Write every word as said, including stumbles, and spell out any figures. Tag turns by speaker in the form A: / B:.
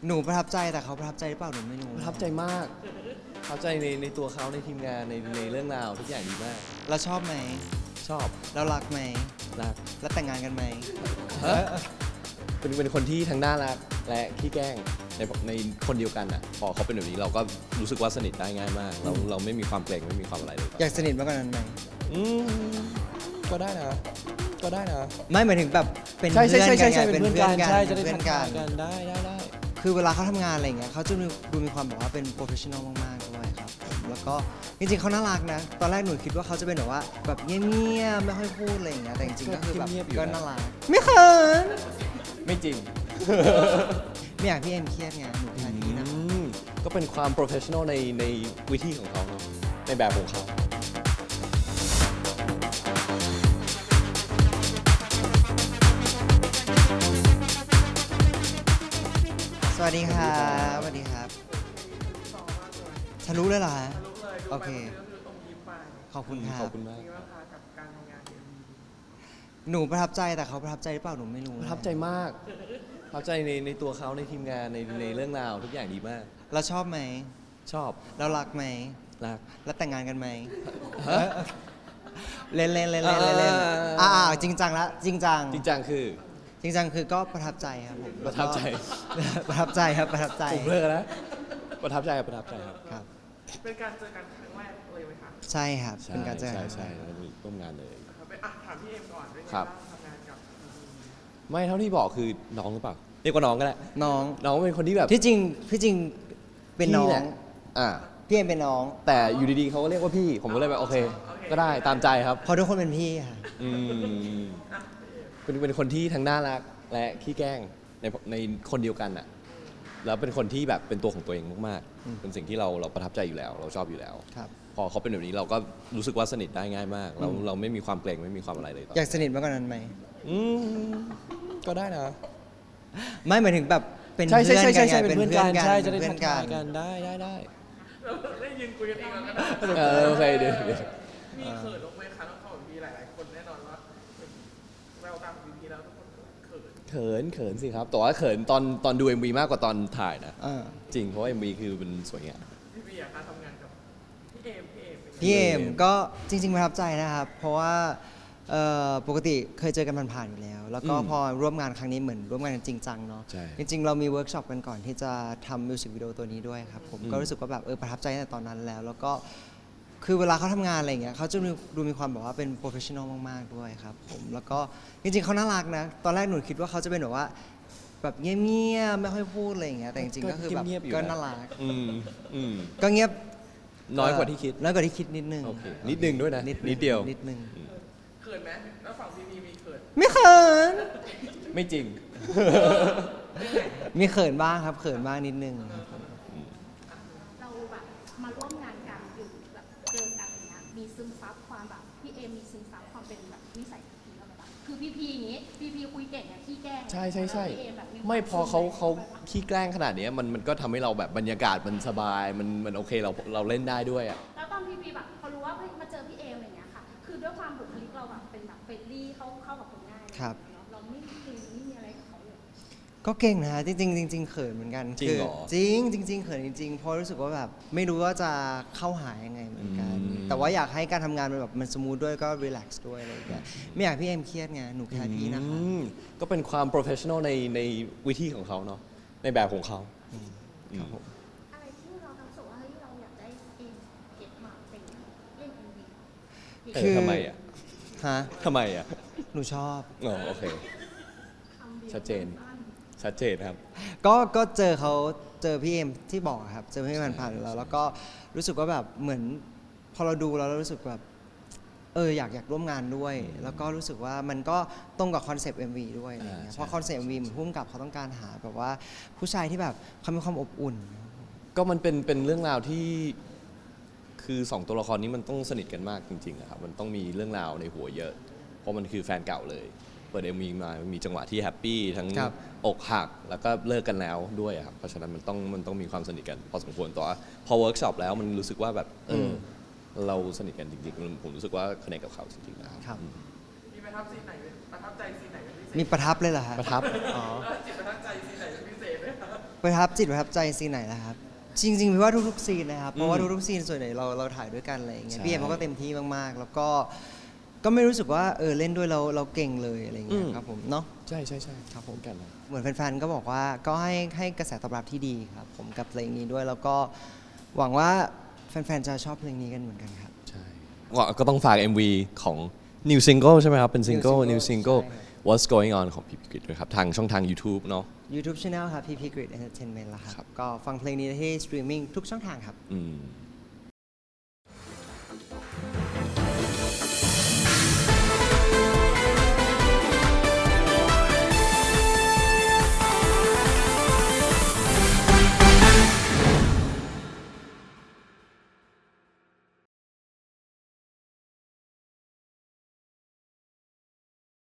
A: หนูประทับใจแต่เขาประทับใจหรือเปล่าหนูไม่รู้
B: ประทับใจมากประทับใจในในตัวเขาในทีมงานในในเรื่องราวทุกอย่างดีมาก
A: เราชอบไหม
B: ชอบ
A: เรารักไหม
B: รัก
A: แล้วแต่งงานกันไหม
B: เป็นเป็นคนที่ทั้งน่ารักและขี้แกล้งในในคนเดียวกันอ่ะพอเขาเป็นแบบนี้เราก็รู้สึกว่าสนิทได้ง่ายมากเราเราไม่มีความเกรงไม่มีความอะไรเลย
A: อยากสนิทมากกว่านั้นไหม
B: อืมก็ได้นะก็ได้นะ
A: ไม่หมายถึงแบบเป็น
B: เพื่อน
A: กันไง
B: เป็นเพื่อนกันใช่จะได้ทำงาน
A: กัน
B: ได้ได้ได้
A: คือเวลาเขาทำงานอะไรเงี้ยเขาจะดูมีความแบบว่าเป็นโปรเฟชชั่นอลมากๆด้วยครับแล้วก็จริงๆเขาน่ารักนะตอนแรกหนูคิดว่าเขาจะเป็นแบบว่าแบบเงียบๆไม่ค่อยพูดอะไรอย่างเงี้ยแต่จริงๆก็คือแบบก็น่ารักไม่เขิน
B: ไม่จริง
A: ไม่อยากพี่เอ็มเครียดไงหนูแค่นี้นะ
B: ก็เป็นความโปรเฟชชั่นอลในในวิธีของเขาในแบบของเขา
A: สวัสดีครับสวัสดีครับทะลุเลยเหรอฮะโอเคขอบคุณครับ
B: ขอบคุณมาก
A: หนูประทับใจแต่เขาประทับใจหรือเปล่าหนูไม่รู้
B: ประทับใจมากประทับใจในในตัวเขาในทีมงานในในเรื่องราวทุกอย่างดีมาก
A: เราชอบไหม
B: ชอบ
A: เรารักไหม
B: รัก
A: แล้วแต่งงานกันไหมเล่นเล่นเล่นเล่นเล่นอ่าจริงจังละจริงจัง
B: จริงจังคือ
A: จริงจังคือก็ประทับใจครับผม
B: ประทับใจ
A: ประทับใจครับประทับใจ
B: ผมเลิกแล้วประทับใจประทับใจครับ
A: ครับ
C: เป็นการเจอกันครั้งแรกเลยไหมคะ
A: ใช่ครับเป็นการเจอ
B: ใช่ใช่ร่วมงานเลย
C: ถามพี่เอ็มก่อนด้วยไงบ้างทำงานกับ
B: ไม่เท่าที่บอกคือน้องหรือเปล่าเรียกว่าน้องก็ได้
A: น้อง
B: น้องเป็นคนที่แบบ
A: ที่จริงพี่จริงเป็นน้อง
B: อ่า
A: พี่เอ็มเป็นน้อง
B: แต่อยู่ดีๆเขาก็เรียกว่าพี่ผมก็เลยแบบโอเคก็ได้ตามใจครับ
A: เพราะทุกคนเป็นพี่ค่ะ
B: อืมเป็นเป็นคนที่ทั้งน่ารักและขี้แกล้งในในคนเดียวกันอ่ะแล้วเป็นคนที่แบบเป็นตัวของตัวเองมากๆเป็นสิ่งที่เราเราประทับใจอยู่แล้วเราชอบอยู่แล้วพอเขาเป็นแบบนี้เราก็รู้สึกว่าสนิทได้ง่ายมากเราเราไม่มีความเกรงไม่มีความอะไรเลย
A: อยากสนิทมากกว่านั้นไหม
B: อืมก็ได้นะ
A: ไม่หมายถึงแบบเป็น
B: เพื่อน
A: กันไง
B: เป็นเพื่อนกันใช่จะได้ทำงานกันได้ได้ได้
C: ได้ยินคุยกันเองแล้วก็
B: ได้โอเคเดี๋ยว
C: มีเขินลงไหมคะน้องเขามีหลายๆคนแน่นอนว่าแววตามวีพีแล้วทุกคนเขิน
B: เขินเขินสิครับแต่ว่าเขินตอนตอนดู เอ็ม วี มากกว่าตอนถ่ายนะจริงเพราะว่า เอ็ม วี คือเป็นสวยงาม
C: พี่บีอะคะทำงานกับพี่เอมพี่เอม
A: พี่เอมก็จริงๆประทับใจนะครับเพราะว่าปกติเคยเจอกันผ่านๆอยู่แล้วแล้วก็พอร่วมงานครั้งนี้เหมือนร่วมงานจริงจังเนาะจริงๆเรามีเวิร์กช็อปกันก่อนที่จะทำมิวสิกวิดีโอตัวนี้ด้วยครับผมก็รู้สึกว่าแบบเออประทับใจตั้งแต่ตอนนั้นแล้วแล้วก็คือเวลาเขาทำงานอะไรเงี้ยเขาจะดูมีความแบบว่าเป็นโปรเฟชชั่นอลมากๆด้วยครับผมแล้วก็จริงๆเขาน่ารักนะตอนแรกหนูคิดว่าเขาจะเป็นแบบว่าแบบเงียบๆไม่ค่อยพูดอะไรอย่างเงี้ยแต่จริงๆก็คือแบบก็น่ารักก็เงียบ
B: น้อยกว่าที่คิด
A: น้อยกว่าที่คิดนิดนึง
B: นิดนึงด้วยนะนิดเดียว
A: นิดนึง
C: เขินไหมแล้วฝั่งพีพีมีเขิน
A: ไม่เขิน
B: ไม่จริง
A: มีเขินบ้างครับเขินบ้างนิดนึง
D: เราแบบมาร่วมงานกันอยู่แบบเจอกันอย่างเงี้ยมีซึมซับความแบบพี่เอมีซึมซับความเป็นแบบนิสัยพีเราแบบคือพีพีอย่างงี้พีพีคุยเก่งเนี่ยขี้แกล้ง
B: ใช่ใช่ใช่ไม่พอเขาเขาขี้แกล้งขนาดนี้มันมันก็ทำให้เราแบบบรรยากาศมันสบายมันมันโอเคเราเราเล่นได้ด้วยอ่ะ
D: แล้วตอนพีพีแบบพอรู้ว่ามาเจอพี่เออะไรเงี้ยค่ะคือด้วยความบุคลิกเราแบบเป็นแบบเฟรนลี่เข้าเข้ากับคนง่าย
A: ครับ
D: เราไม่มีไม่มีอะไรกับเขาเลย
A: ก็เก่งนะจริงจริงจริงเขินเหมือนกัน
B: จริงเหรอ
A: จริงจริงๆเขินจริงๆเพราะรู้สึกว่าแบบไม่รู้ว่าจะเข้าหายังไงเหมือนกันแต่ว่าอยากให้การทำงานมันแบบมันสมูทด้วยก็รีแลกซ์ด้วยอะไรอย่างเงี้ยไม่อยากพี่เอ็มเครียดไงหนูแค่พี่นะคะ
B: ก็เป็นความโปรเฟชชั่นอลในในวิธีของเขาเนาะในแบบของเขา
D: อะไรที่เราทำสุว่าเฮ้ยเราอยากได้เอ็มเก็บมาเป็นเล่นเอ็มวี
B: คือทำไมอ่ะ
A: ฮะ
B: ทำไมอ่ะ
A: หนูชอบ
B: อ๋อโอเคชัดเจนชัดเจนครับ
A: ก็ก็เจอเขาเจอพี่เอ็มที่บอกครับเจอพี่ผ่านๆแล้วแล้วก็รู้สึกว่าแบบเหมือนพอเราดูแล้วเรารู้สึกแบบเอออยากอยากร่วมงานด้วยแล้วก็รู้สึกว่ามันก็ตรงกับคอนเซปต์ เอ็ม วี ด้วยอะไรเงี้ยเพราะคอนเซปต์ เอ็ม วี เหมือนพุ่มกับเขาต้องการหาแบบว่าผู้ชายที่แบบเขามีความอบอุ่น
B: ก็มันเป็นเป็นเรื่องราวที่คือสองตัวละครนี้มันต้องสนิทกันมากจริงๆครับมันต้องมีเรื่องราวในหัวเยอะเพราะมันคือแฟนเก่าเลยเปิด เอ็ม วี มามีจังหวะที่แฮปปี้ทั้งอกหักแล้วก็เลิกกันแล้วด้วยครับเพราะฉะนั้นมันต้องมันต้องมีความสนิทกันพอสมควรแต่ว่าพอเวิร์กช็อปแล้วมันรู้สึกว่าแบบเออเราสนิทกันจริงๆผมรู้สึกว่าคอนเนคกับเขาจริงๆนะครับ
C: มีประทับซีนไหนประทับใจซีนไหนเป็นพิเศษ
A: มีประทับเลยเหรอฮะ
B: ประทับ
C: อ๋อจิตประทับใจซีนไหนเป็นพิเศษไหมครับ
A: ประทับจิตประทับใจซีนไหนล่ะครับ จริงๆพี่ว่าทุกๆซีนนะครับเพราะว่าทุกๆซีนส่วนใหญ่เราเราถ่ายด้วยกันอะไรอย่างเงี้ย
B: ใช่
A: พี่เอ็มเขาก็เต็มที่มากๆ แล้วก็ก็ไม่รู้สึกว่าเออเล่นด้วยเราเราเก่งเลยอะไรอย่างเงี้ยครับผมเนาะ
B: ใช่ใช่ใช่ครับผมกันนะ
A: เหมือนแฟนๆ ก็บอกว่าก็ให้ให้กระแสตอบรับที่ดีครับผมกับเพลงนี้ด้วยแล้วก็หวังว่าแฟนๆ จะชอบเพลงนี้กันเหมือนกันครับ
B: ใช่ก็ก็ต้องฝาก เอ็ม วี ของ New Single ใช่ไหมครับ เป็น Single
A: New
B: New
A: Single
B: Single
A: ใช่
B: What's Going On ของพี่กฤษด้วยครับ ทางช่องทาง YouTube เนาะ
A: YouTube Channel ครับ พี พี Grid Entertainment ละค
B: ครั
A: รับ
B: บ
A: ก็ฟังเพลงนี้ได้ที่สตรีมมิ่งทุกช่องทางครับ
B: อืม